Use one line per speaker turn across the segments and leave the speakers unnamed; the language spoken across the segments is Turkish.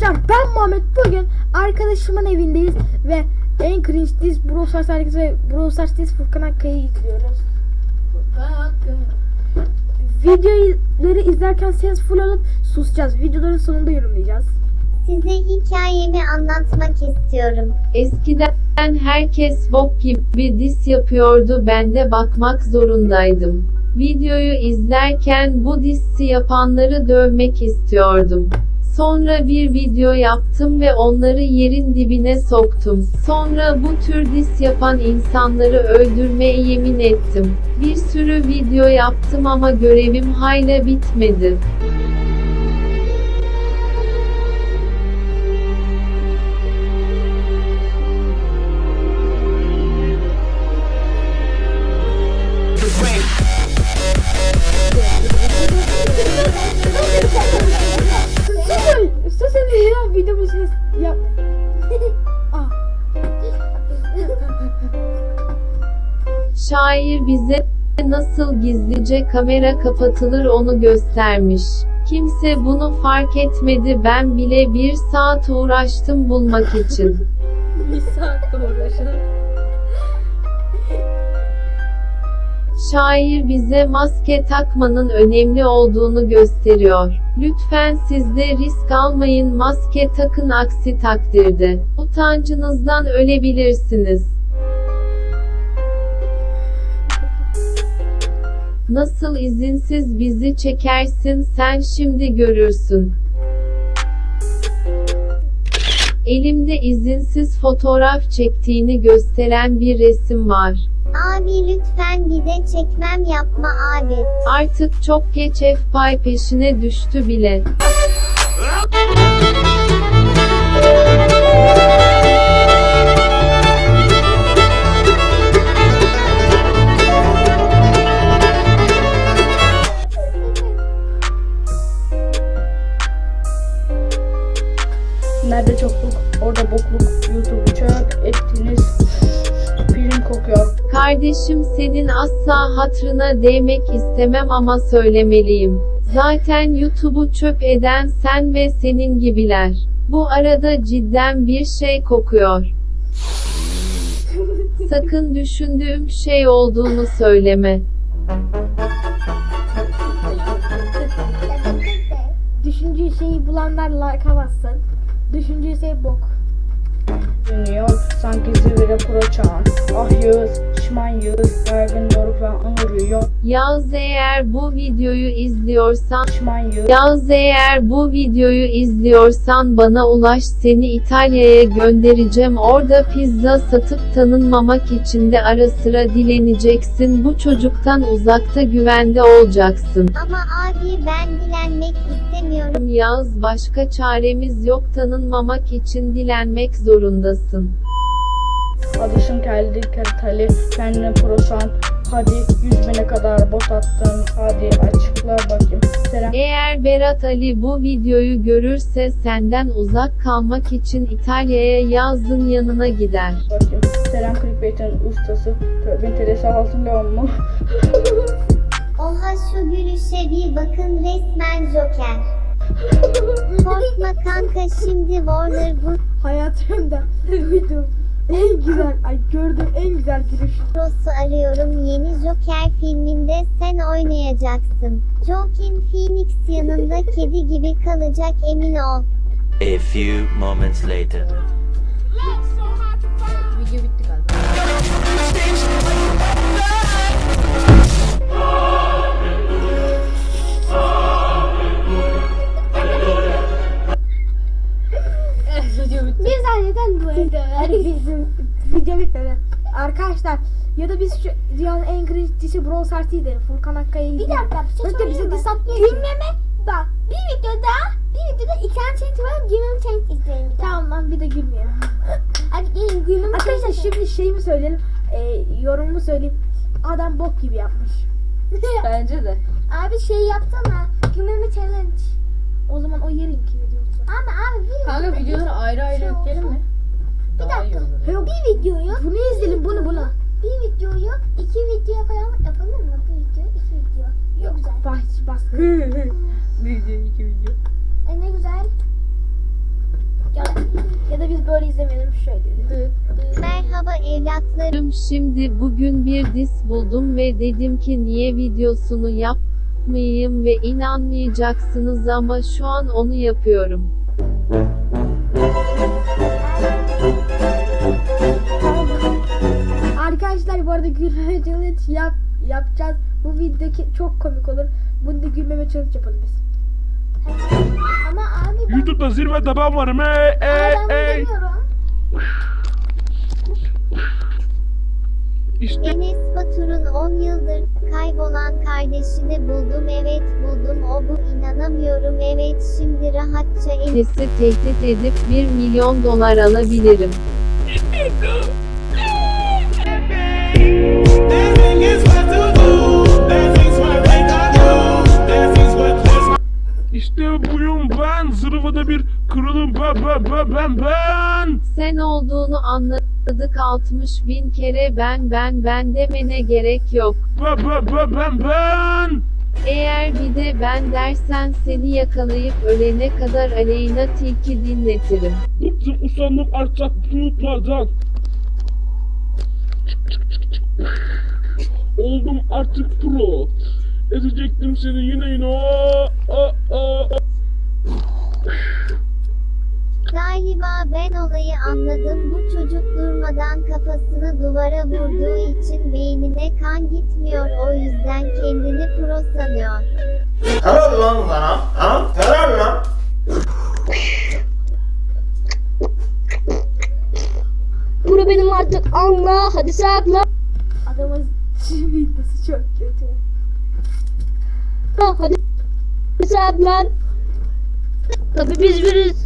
Arkadaşlar ben Muhammed, bugün arkadaşımın evindeyiz ve en cringe diz Brawl Stars hareketi ve Brawl Stars diz Furkan Akkaya'yı izliyoruz. Videoları izlerken ses full alıp susacağız. Videoların sonunda yorumlayacağız.
Size hikayemi anlatmak istiyorum.
Eskiden herkes bok gibi diss yapıyordu, ben de bakmak zorundaydım. Videoyu izlerken bu dissi yapanları dövmek istiyordum. Sonra bir video yaptım ve onları yerin dibine soktum. Sonra bu tür diss yapan insanları öldürmeye yemin ettim. Bir sürü video yaptım ama görevim hala bitmedi.
Sus ya, videomu ses yap.
Şair bize nasıl gizlice kamera kapatılır onu göstermiş. Kimse bunu fark etmedi, ben bile 1 saat uğraştım bulmak için.
1 saat uğraşın.
Şair bize maske takmanın önemli olduğunu gösteriyor. Lütfen siz de risk almayın, maske takın, aksi takdirde utancınızdan ölebilirsiniz. Nasıl izinsiz bizi çekersin sen, şimdi görürsün. Elimde izinsiz fotoğraf çektiğini gösteren bir resim var.
Abi lütfen bir de çekmem yapma abi.
Artık çok geç, FPI peşine düştü bile.
Nerede çokluk, orada bokluk. YouTube'u çöp ettiniz. Film kokuyor.
Kardeşim, senin asla hatırına değmek istemem ama söylemeliyim. Zaten YouTube'u çöp eden sen ve senin gibiler. Bu arada cidden bir şey kokuyor. Sakın düşündüğüm şey olduğunu söyleme.
Düşündüğü şeyi bulanlar like'a bassın. Düşündüğü şey bok. Dünya sanki zirvede proçan. Ah Yağız, şişman Yağız, Ergin Doruk ve Anur yiyor.
Yağız, eğer bu videoyu izliyorsan,
Şişman Yağız.
Yağız, eğer bu videoyu izliyorsan bana ulaş, seni İtalya'ya göndereceğim, orada pizza satıp tanınmamak için de ara sıra dileneceksin, bu çocuktan uzakta, güvende olacaksın.
Ama abi ben dilenmek istemiyorum.
Yağız, başka çaremiz yok, tanınmamak için dilenmek zorundasın.
Adışın keldi kertali, kendine proşan. Hadi 100.000'e kadar bot attın. Hadi açıkla bakayım. Selam.
Eğer Berat Ali bu videoyu görürse senden uzak kalmak için İtalya'ya Yağız'ın yanına gider.
Bakayım. Selam clickbait'in ustası. Tövbe teresi altın leon mu?
Oha şu gülüşe bir bakın, resmen Joker. Korkma kanka, şimdi Warner
Hayatımda duydum en güzel, gördüğüm en güzel gülüş.
Bros'u arıyorum, yeni Joker filminde sen oynayacaksın. Joaquin Phoenix yanında kedi gibi kalacak, emin ol.
A few moments later.
Video bitti galiba.
Bir zanneden bu evde.
Bizim video bitmedi. Arkadaşlar, ya da biz şu dünyanın en cringe dişi Brawl Stars'ıydı. Furkan Akkaya'yı
Bir dakika, bir şey
Hatta bize
söyleyeyim
diss
mi?
atmıyor.
Gülmeme bak, bir videoda iki tane challenge var, gülmeme challenge isterim bir daha.
Tamam lan, bir de gülmeyelim.
Hadi gelin gülmeme
Arkadaşlar
challenge.
şimdi şeyimi söyleyelim. Yorumumu söyleyeyim. Adam bok gibi yapmış.
Bence de.
Abi şey yapsana, gülmeme challenge.
O zaman o yerinki videosu.
Abi bir
Kanka videoları ayrı ayrı
Şey
yükleyelim mi?
Bir
Daha iyi
dakika.
olur.
Bir videoyu.
Bunu izleyelim, bunu.
Bir videoyu 2 video falan yapalım mı? Bir video, 2 video. Yok güzel.
Baskı.
Video, 2 video.
Ne güzel. evlatları
Şimdi bugün bir dis buldum ve dedim ki niye videosunu yapmayayım ve inanmayacaksınız ama şu an onu yapıyorum.
Arkadaşlar bu arada gülmeme challenge yapacağız. Bu video çok komik olur. Bunu da gülmeme challenge yapalım biz.
ama abi ben
YouTube'da zirvede ben varım.
demiyorum.
İşte
Enes Batur'un 10 yıldır kaybolan kardeşini buldum, evet buldum, o bu, inanamıyorum, evet şimdi rahatça
Enes'i tehdit edip 1 milyon dolar alabilirim.
Dancing is what to do. Dancing's what they got do. Dancing's what
işte buyum ben. Zirvede bir kralım ben.
Sen olduğunu anladık 60 bin kere ben demene gerek yok.
Ben.
Eğer bir de ben dersen seni yakalayıp ölene kadar Aleyna Tilki dinletirim.
Bıktım usandım artık bulutlardan. Oldum artık pro. Ezecektim seni yine.
Galiba ben olayı anladım. Bu çocuk durmadan kafasını duvara vurduğu için beynine kan gitmiyor. O yüzden kendini pro sanıyor.
Helal lan sana. Ha? Helal lan.
Bunu benim artık anla. Hadi sakla.
Adamın videosu çok kötü.
Hadi saklan. Tabii biz biriz.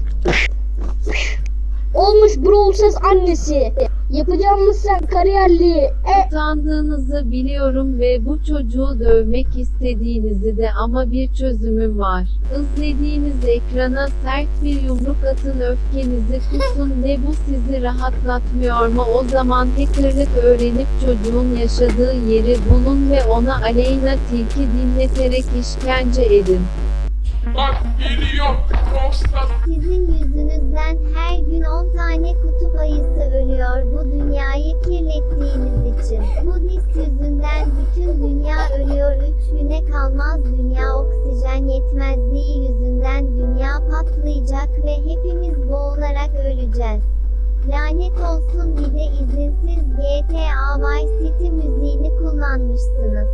Olmuş Brawl Stars annesi. Yapacağımız sen kariyerli.
Utandığınızı biliyorum ve bu çocuğu dövmek istediğinizi de ama bir çözümüm var. İzlediğiniz ekrana sert bir yumruk atın, öfkenizi kusun. Ne bu sizi rahatlatmıyor mu? O zaman hackerlık öğrenip çocuğun yaşadığı yeri bulun ve ona Aleyna Tilki dinleterek işkence edin.
Bak geliyor. Prostat.
Sizin yüzünüzden her gün 10 tane kutup ayısı ölüyor bu dünyayı kirlettiğiniz için. Bu dis yüzünden bütün dünya ölüyor. 3 güne kalmaz dünya oksijen yetmezliği yüzünden dünya patlayacak ve hepimiz boğularak öleceğiz. Lanet olsun, bir de izinsiz GTA Vice City müziğini kullanmışsınız.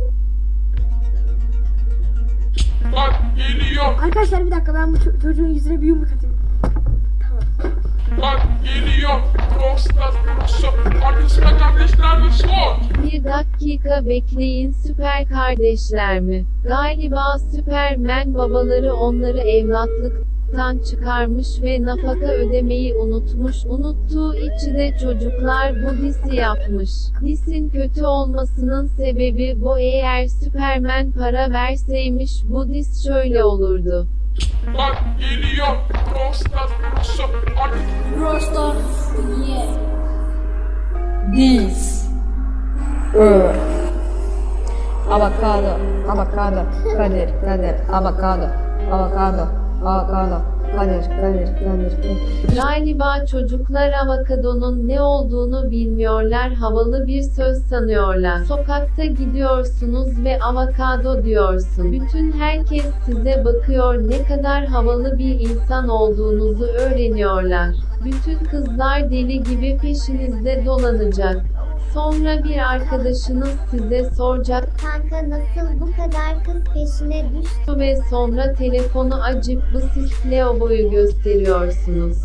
Bak geliyor.
Arkadaşlar bir dakika, ben bu çocuğun yüzüne bir yumruk atayım.
Bak geliyor. Prostat. Arkasına kardeşler ve sor.
Bir dakika bekleyin, süper kardeşler mi? Galiba Süpermen babaları onları evlatlıktan çıkarmış ve nafaka ödemeyi unutmuş. Unuttuğu içi de çocuklar bu disi yapmış. Disin kötü olmasının sebebi bu. Eğer Süpermen para verseymiş bu dis şöyle olurdu.
Bak geliyor. Prostat.
This. Avocado. Kadir. Avocado. Kadir.
Galiba çocuklar avokadonun ne olduğunu bilmiyorlar, havalı bir söz sanıyorlar. Sokakta gidiyorsunuz ve avokado diyorsun. Bütün herkes size bakıyor, ne kadar havalı bir insan olduğunuzu öğreniyorlar. Bütün kızlar deli gibi peşinizde dolanacak. Sonra bir arkadaşınız size soracak
Kanka nasıl bu kadar kız peşine düştü?
ve sonra telefonu açıp bu siz Leo'yu gösteriyorsunuz.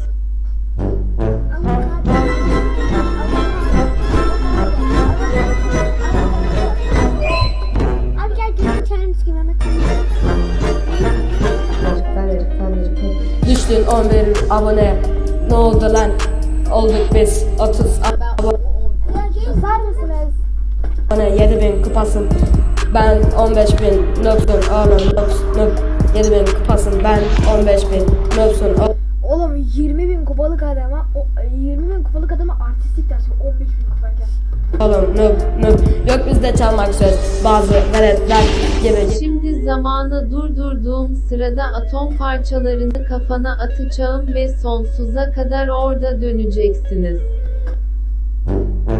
Abi gel gözünü kendimiz gibi hemen.
Kadir. Düştün 11 abone. Ne oldu lan? Olduk biz 30
Sar mısınız?
abone, 7000 kupasın. Ben 15.000 nöpsün oğlum, nöp. 7000 kupasın, ben 15.000 nöpsün
Oğlum 20.000 kupalık adama, 20.000 kupalık adama artistlik dersi 15.000 kupayken.
oğlum, nöp. Yok bizde çalmak söz, bazı veletler gibi.
Şimdi zamanı durdurduğum sırada atom parçalarını kafana atacağım ve sonsuza kadar orada döneceksiniz.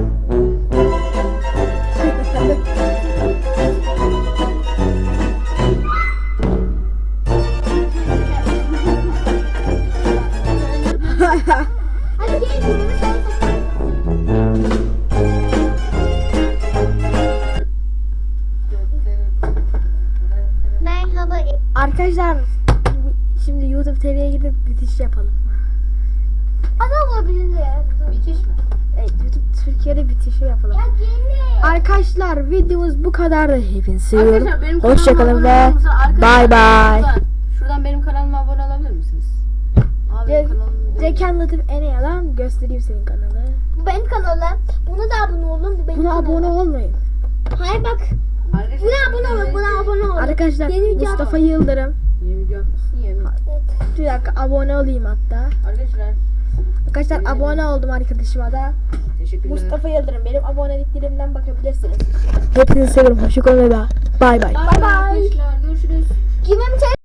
Şimdi YouTube TV'ye gidip bitiş yapalım.
Ana olabilir.
Bitiş mi?
Evet, YouTube Türkiye'de bitişi yapalım.
Ya gelin.
Arkadaşlar videomuz bu kadardı. Hepinizi seviyorum.
Arkadaşlar benim kanalıma
Hoşçakalın
abone
ve
olmanızı- arkadaşlar,
bay bay.
Şuradan benim kanalıma abone olabilir misiniz? Abi benim kanalım değil.
Zeki Latif Eneyalan göstereyim senin kanalı.
Bu benim kanalım. Buna da abone olun. Bu benim
Buna
kanalım.
abone olmayın.
Hayır bak.
Arkadaşlar,
Buna abone olun. Buna abone olun.
Arkadaşlar
Yeni video
Mustafa Yıldırım.
Yeni video atmışsın yemin.
Bir dakika abone olayım hatta.
Arkadaşlar
Arkadaşlar abone oldum arkadaşıma da.
teşekkürler.
Mustafa Yıldırım benim aboneliklerimden bakabilirsiniz. Hepinizi seviyorum. Hoşçakalın ve bay bay.
Bay bay. Arkadaşlar görüşürüz.
Kime mi